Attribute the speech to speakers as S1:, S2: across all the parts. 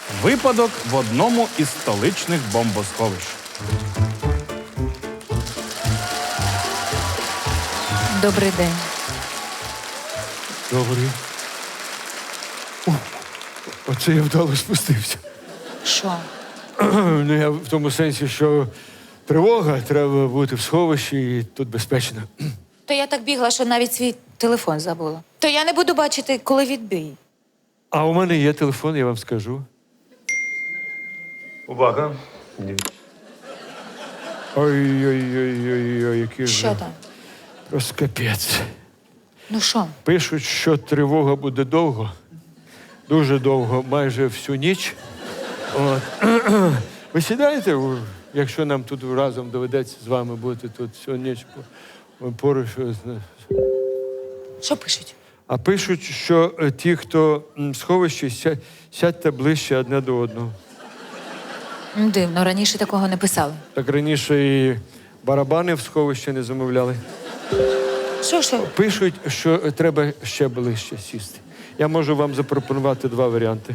S1: Випадок в одному із столичних бомбосховищ.
S2: Добрий день.
S3: Добрий. О, оце я вдало спустився.
S2: Що?
S3: Ну, я в тому сенсі, що тривога, треба бути в сховищі і тут безпечно.
S2: То я так бігла, що навіть свій телефон забула. То я не буду бачити, коли відбій.
S3: А у мене є телефон, я вам скажу. Увага. Ой-ой-ой, який же.
S2: Що там?
S3: Просто капець.
S2: Ну що?
S3: Пишуть, що тривога буде довго. Дуже довго, майже всю ніч. От. Ви сідаєте, якщо нам тут разом доведеться з вами бути тут всю ніч поруч.
S2: Що пишуть?
S3: А пишуть, що ті, хто в сховищі, сядьте ближче одне до одного.
S2: Дивно, раніше такого не писали.
S3: Так раніше і барабани в сховищі не замовляли.
S2: Що?
S3: Пишуть, що треба ще ближче сісти. Я можу вам запропонувати два варіанти.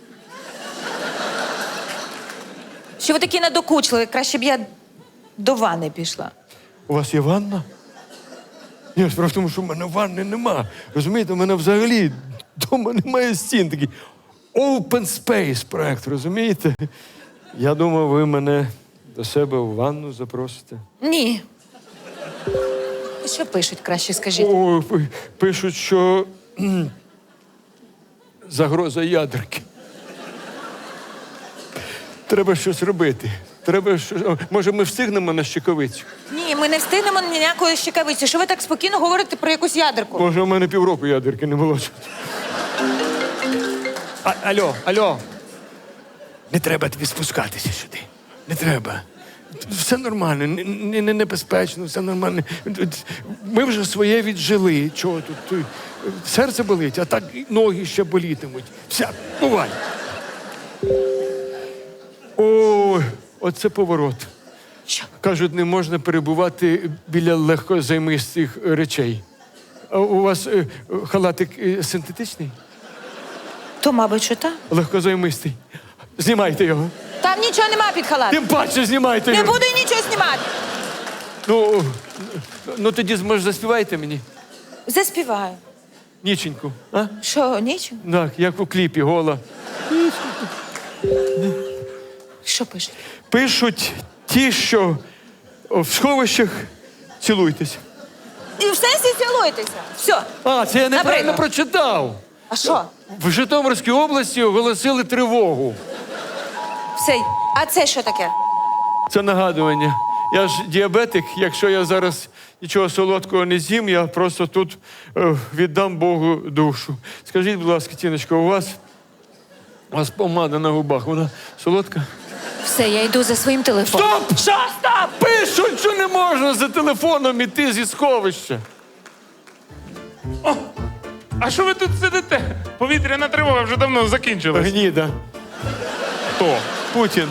S2: Що ви такі надокучливі? Краще б я до ванни пішла.
S3: У вас є ванна? Ні, справа в тому, що в мене ванни нема. Розумієте, у мене взагалі вдома немає стін. Такий open space проект, розумієте? Я думав, ви мене до себе в ванну запросите.
S2: Ні. Що пишуть, краще скажіть?
S3: О, пишуть, що загроза ядерки. Треба щось робити. Треба щось. Може, ми встигнемо на щекавицю?
S2: Ні, ми не встигнемо ніякої щекавиці. Що ви так спокійно говорите про якусь ядерку?
S3: Може, у мене півроку ядерки не було. Алло. Не треба тобі спускатися сюди. Не треба. Все нормально, не небезпечно, все нормально. Ми вже своє віджили. Чого тут? Серце болить, а так і ноги ще болітимуть. Все, бувай. Ой, оце поворот.
S2: Що?
S3: Кажуть, не можна перебувати біля легкозаймистих речей. А у вас халатик синтетичний?
S2: То, мабуть, що так.
S3: Легкозаймистий. Знімайте його.
S2: Там нічого нема під халат.
S3: Тим паче знімайте
S2: Не
S3: його.
S2: буду нічого знімати.
S3: Ну тоді, може, заспівайте мені
S2: Заспіваю.
S3: ніченьку, а?
S2: Що, нічого?
S3: Так, як у кліпі, гола.
S2: Що пишуть?
S3: Пишуть ті, що в сховищах цілуйтесь.
S2: І в сенсі цілуйтеся. Все.
S3: А, це я неправильно
S2: Наприклад.
S3: прочитав.
S2: А що?
S3: В Житомирській області оголосили тривогу.
S2: Все. А це що таке?
S3: Це нагадування. Я ж діабетик, якщо я зараз нічого солодкого не з'їм, я просто тут віддам Богу душу. Скажіть, будь ласка, Тіночко, у вас помада на губах, вона солодка?
S2: Все, я йду за своїм телефоном.
S3: Стоп!
S2: Що, стоп?
S3: Пишуть, що не можна за телефоном іти зі сховища.
S4: А що ви тут сидите? Повітряна тривога вже давно закінчилась.
S3: Гніда.
S4: Хто?
S3: Путін.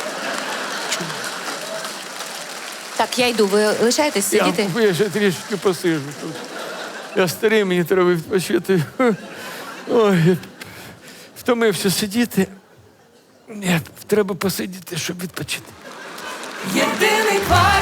S2: Так, я йду. Ви лишаєтесь сидіти?
S3: Я ще трішки посижу тут. Я старий, мені треба відпочити. Ой, я втомився сидіти. Ні, треба посидіти, щоб відпочити.
S2: Єдиний квартал.